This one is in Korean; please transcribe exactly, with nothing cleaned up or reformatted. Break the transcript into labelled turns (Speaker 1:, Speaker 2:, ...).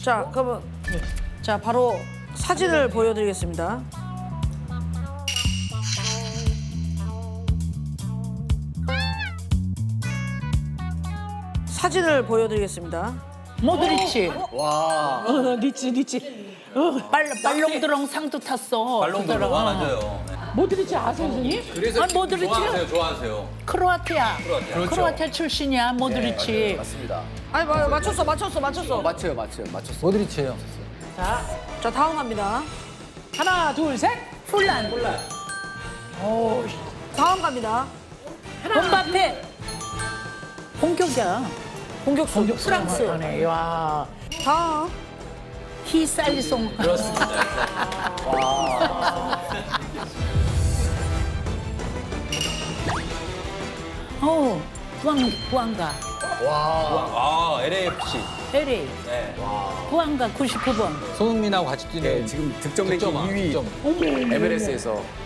Speaker 1: 자, 그러면 자 바로 사진을 보여드리겠습니다. 사진을 보여드리겠습니다.
Speaker 2: 모드리치.
Speaker 3: 와.
Speaker 2: 어, 리치, 리치. 어, 빨, 발롱드롱 상도 탔어.
Speaker 4: 발롱도로
Speaker 2: 그거랑.
Speaker 4: 맞아요. 네.
Speaker 2: 모드리치 아세요, 선생님?
Speaker 4: 그래서
Speaker 2: 아, 모드리치.
Speaker 4: 좋아하세요, 좋아하세요.
Speaker 2: 크로아티아.
Speaker 4: 크로아티아.
Speaker 2: 크로아티아 출신이야, 모드리치.
Speaker 3: 맞습니다.
Speaker 1: 아니 마- 맞췄어, 맞췄어, 맞췄어.
Speaker 3: 맞춰요, 맞춰요, 맞췄어. 모드리치예요.
Speaker 2: 자,
Speaker 1: 자 다음 갑니다.
Speaker 2: 하나, 둘, 셋. 훌란.
Speaker 1: 다음 갑니다.
Speaker 2: 본바페. 공격이야.
Speaker 1: 공격수.
Speaker 2: 프랑스. 하네. 와.
Speaker 1: 다음.
Speaker 2: 히살리송.
Speaker 4: 그렇습니다.
Speaker 2: 어, 구안, 구안가.
Speaker 4: 아, 엘에이에프씨.
Speaker 2: 엘에이.
Speaker 4: 네.
Speaker 2: 구안가 구십구 번.
Speaker 5: 손흥민하고 같이 뛰는
Speaker 3: 지금 득점 랭킹
Speaker 5: 득점왕,
Speaker 3: 이 위
Speaker 5: 득점.
Speaker 3: 엠엘에스에서